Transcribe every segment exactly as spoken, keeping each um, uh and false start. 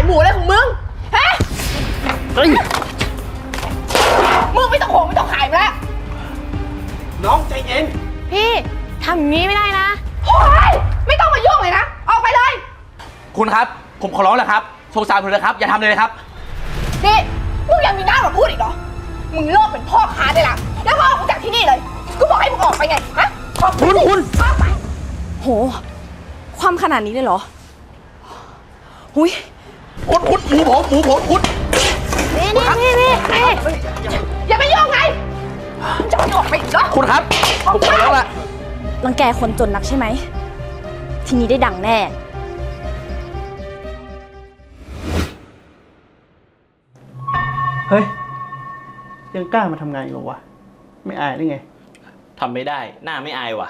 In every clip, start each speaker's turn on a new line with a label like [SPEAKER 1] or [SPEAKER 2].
[SPEAKER 1] หมูอะไรของมึงฮะเฮ้ยมึงไม่ต้องโหงไม่ต้องขายแล้ว
[SPEAKER 2] น้องใจเย็น
[SPEAKER 3] พี่ทำอย่างนี้ไม่ได้นะ
[SPEAKER 1] โอ้ยไม่ต้องมายุ่งเลยนะออกไปเลย
[SPEAKER 2] คุณครับผมขอร้องแล้วครับสงสารผมเลยครับอย่าทำเลยครับ
[SPEAKER 1] นี่มึงยังมีหน้ามาพูดอีกเหรอมึงเลิกเป็นพ่อค้าได้ละแล้วก็ออกจากที่นี่เลยกูบอกให้มึงออกไปไงฮะ
[SPEAKER 2] คุณคุณ
[SPEAKER 1] ออกไป
[SPEAKER 3] โหความขนาดนี้เลยเหรอหุย
[SPEAKER 2] คุณคุณหมูผมหมูผมคุณ
[SPEAKER 3] นี่นี่นี่นี่
[SPEAKER 1] อย่าไปยุ่งไงจะไม่ออกไปอีกเหรอ
[SPEAKER 2] คุณครับผมขอแล้วล่ะ
[SPEAKER 3] รังแกคนจนนักใช่ไหมทีนี้ได้ดังแน่
[SPEAKER 4] เฮ้ยยังกล้ามาทำงานอีกเหรอวะไม่อายได้ไง
[SPEAKER 2] ทำไม่ได้หน้าไม่อายว่ะ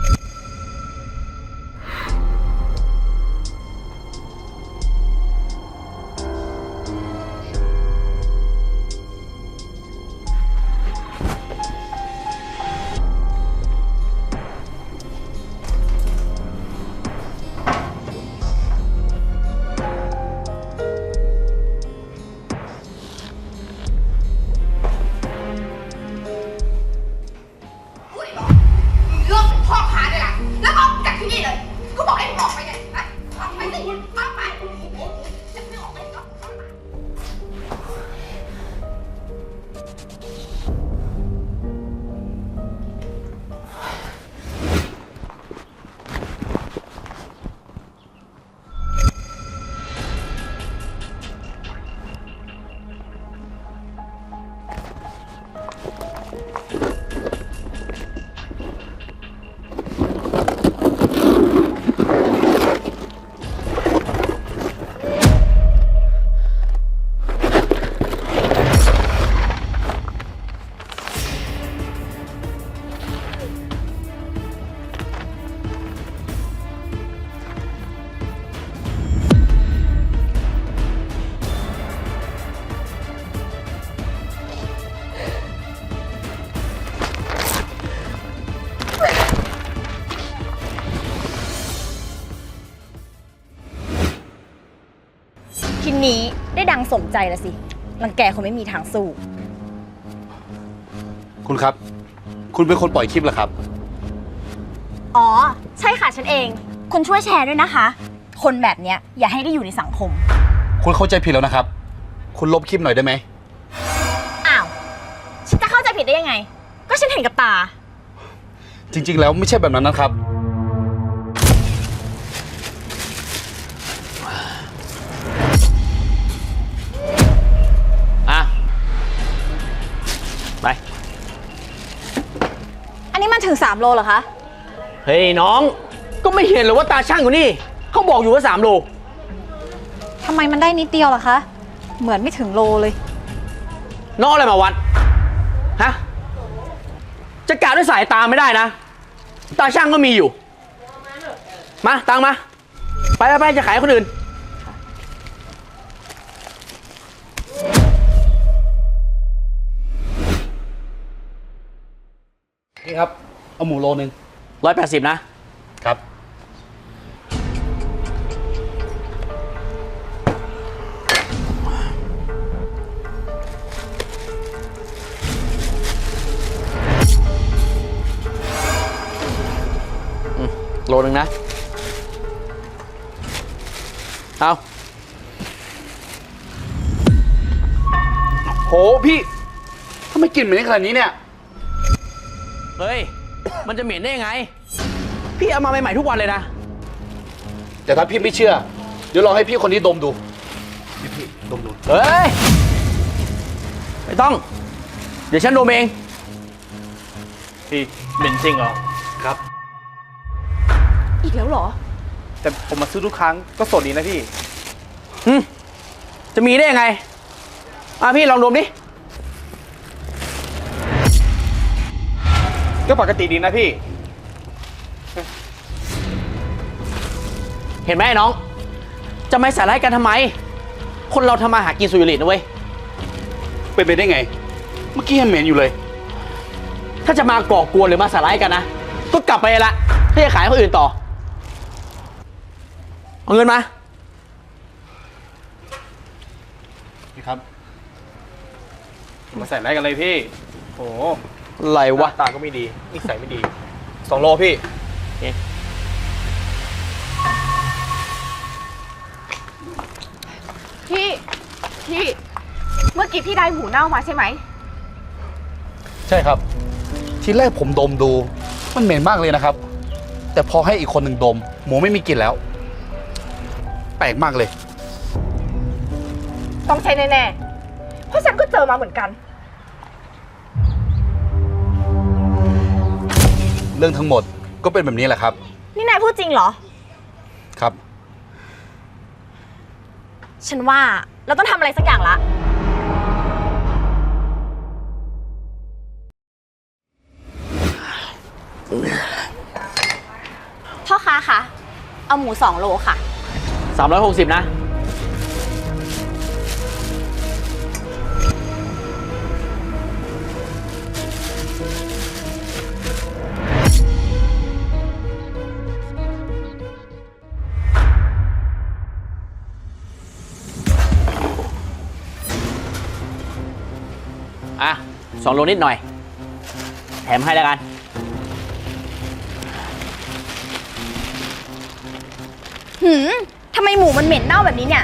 [SPEAKER 3] ทีนี้ได้ดังสมใจแล้วสิรังแกคนไม่มีทางสู้
[SPEAKER 5] คุณครับคุณเป็นคนปล่อยคลิปเหรอครับ
[SPEAKER 3] อ๋อใช่ค่ะฉันเองคุณช่วยแชร์ด้วยนะคะคนแบบเนี้ยอย่าให้ได้อยู่ในสังคม
[SPEAKER 5] คุณเข้าใจผิดแล้วนะครับคุณลบคลิปหน่อยได้ไหม
[SPEAKER 3] อ้าวฉันจะเข้าใจผิดได้ยังไงก็ฉันเห็นกับตา
[SPEAKER 5] จริงๆแล้วไม่ใช่แบบนั้นนะครับ
[SPEAKER 2] ไป
[SPEAKER 3] อันนี้มันถึงสามโลเหรอคะ
[SPEAKER 2] เฮ้ยน้องก็ไม่เห็นหรอว่าตาช่างอยู่นี่เขาบอกอยู่ว่าสามโล
[SPEAKER 3] ทำไมมันได้นิดเดียวล่ะคะเหมือนไม่ถึงโลเลย
[SPEAKER 2] น้องอะไรมาวัดฮะจะกะด้วยสายตาไม่ได้นะตาช่างก็มีอยู่มาตังมาไปไปไปจะขายคนอื่น
[SPEAKER 5] นี่ครับเอาหมูโลนึง
[SPEAKER 2] ร้อยแปดสิบนะครับโลนึงนะเอา
[SPEAKER 5] โหพี่ทำไมกลิ่นเหม็นขนาดนี้เนี่ย
[SPEAKER 2] เฮ้ยมันจะเหม็นได้ยังไงพี่เอามาใหม่ๆทุกวันเลยนะ
[SPEAKER 5] แต่ถ้าพี่ไม่เชื่อเดี๋ยวลองให้พี่คนนี้ดมดูพี่พี่ดมดู
[SPEAKER 2] เฮ้ยไม่ต้องเดี๋ยวฉันดมเองพี่เหม็นจริงเหรอ
[SPEAKER 5] ครับ
[SPEAKER 3] อีกแล้วเหรอ
[SPEAKER 4] แต่ผมมาซื้อทุกครั้งก็สดดีนะพี่
[SPEAKER 2] อืมจะมีได้ยังไงอ่ะพี่ลองดมดิ
[SPEAKER 4] ก็ปกติดีนะพี่
[SPEAKER 2] เห็นไหมน้องจะไม่ใส่ร้ายกันทำไมคนเราทำมาหากินสุจริตนะเว้ย
[SPEAKER 5] เป็นไปได้ไงเมื่อกี้ยังเหม็นอยู่เลย
[SPEAKER 2] ถ้าจะมาก่อกวนหรือมาสาร้ายกันนะก็กลับไปละถ้าจะขายคนอื่นต่อเอาเงินมา
[SPEAKER 4] พี่ครับ มาใส่ไรกันเลยพี่โห
[SPEAKER 2] อะไรวะ
[SPEAKER 4] ตาก็ไม่ดีนิสัยไม่ดีสองโลพี่
[SPEAKER 1] พี่พี่เมื่อกี้พี่ได้หมูเน่ามาใช่ไหม
[SPEAKER 5] ใช่ครับ ทีแรกผมดมดู มันเหม็นมากเลยนะครับ แต่พอให้อีกคนหนึ่งดม หมูไม่มีกลิ่นแล้ว แปลกมากเลย
[SPEAKER 1] ต้องใช่แน่ๆเพราะฉันก็เจอมาเหมือนกัน
[SPEAKER 5] เรื่องทั้งหมดก็เป็นแบบนี้แหละครับ
[SPEAKER 3] นี่นายพูดจริงเหรอ
[SPEAKER 5] ครับ
[SPEAKER 3] ฉันว่าเราต้องทำอะไรสักอย่างละ พ่อค้าคะ เอาหมูสองโลค่ะ
[SPEAKER 2] สามร้อยหกสิบนะ อ่ะสองโลนิดหน่อย แถมให้แล้วกัน
[SPEAKER 3] หืมทำไมหมูมันเหม็นเน่าแบบนี้เนี่ย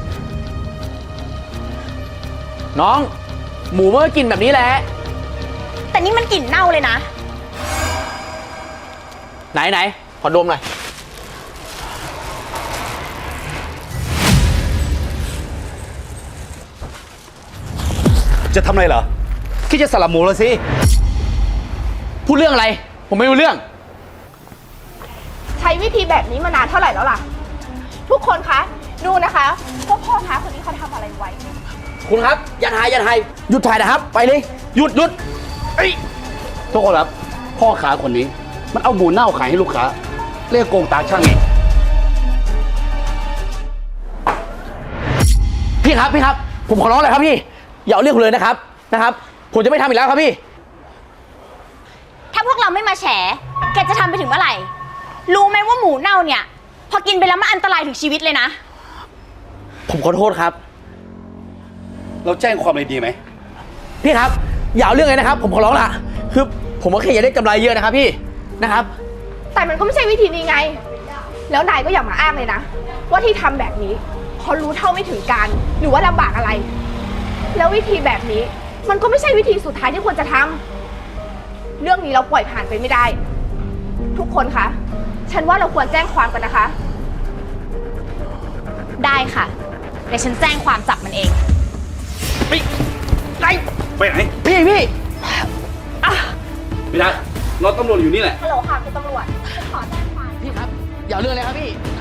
[SPEAKER 2] น้อง หมูมันก็กินแบบนี้แหละ
[SPEAKER 3] แต่นี่มันกลิ่นเน่าเลยนะ
[SPEAKER 2] ไหนไหนขอดมหน่อย
[SPEAKER 5] จะทำอะไรเหรอคิดจะสลับหมูแล้วสิ
[SPEAKER 2] พูดเรื่องอะไร ผมไม่รู้เรื่อง
[SPEAKER 1] ใช้วิธีแบบนี้มานานเท่าไหร่แล้วล่ะ ทุกคนคะดูนะคะว่าพ่อค้าคนนี้เขาทำอะไรไว้
[SPEAKER 2] คุณครับ อย่าถ่ายอย่าถ่ายหยุดถ่ายนะครับ ไปเลย หยุดหยุด
[SPEAKER 5] ทุกคนครับ พ่อค้าคนนี้ มันเอาหมูเน่าขายให้ลูกค้า เรียกโกงตาช่างไง
[SPEAKER 2] พี่ครับพี่ครับ ผมขอร้องเลยครับพี่ อย่าเอาเรื่องผมเลยนะครับนะครับ ผมจะไม่ทำอีกแล้วครับพี่
[SPEAKER 3] ถ้าพวกเราไม่มาแฉ แกจะทำไปถึงเมื่อไหร่ รู้ไหมว่าหมูเน่าเนี่ย พอกินไปแล้วมันอันตรายถึงชีวิตเลยนะ
[SPEAKER 2] ผมขอโทษครับ
[SPEAKER 5] เราแจ้งความเลยดีไหม
[SPEAKER 2] พี่ครับ อย่าเอาเรื่องเลยนะครับ ผมขอร้องละคือผมก็แค่อยากได้กำไรเยอะนะครับพี่นะครับ
[SPEAKER 1] แต่มันก็ไม่ใช่วิธีนี้ไง แล้วนายก็อย่ามาอ้างเลยนะ ว่าที่ทำแบบนี้เพราะรู้เท่าไม่ถึงการหรือว่าลำบากอะไร แล้ววิธีแบบนี้มันก็ไม่ใช่วิธีสุดท้ายที่ควรจะทำเรื่องนี้เราปล่อยผ่านไปไม่ได้ ทุกคนคะฉันว่าเราควรแจ้งความกันนะคะ
[SPEAKER 3] ได้ค่ะ เดี๋ยวฉันแจ้งความจับมันเอง
[SPEAKER 5] ไปไหน
[SPEAKER 2] พี่พี่
[SPEAKER 5] ไม่ได้รถตำรวจอยู่นี่แหละ
[SPEAKER 1] ฮัลโหลค่ะคุณตำรวจฉันขอแจ้งความ
[SPEAKER 2] พี่ครับ อย่าเอาเรื่องเลยครับพี่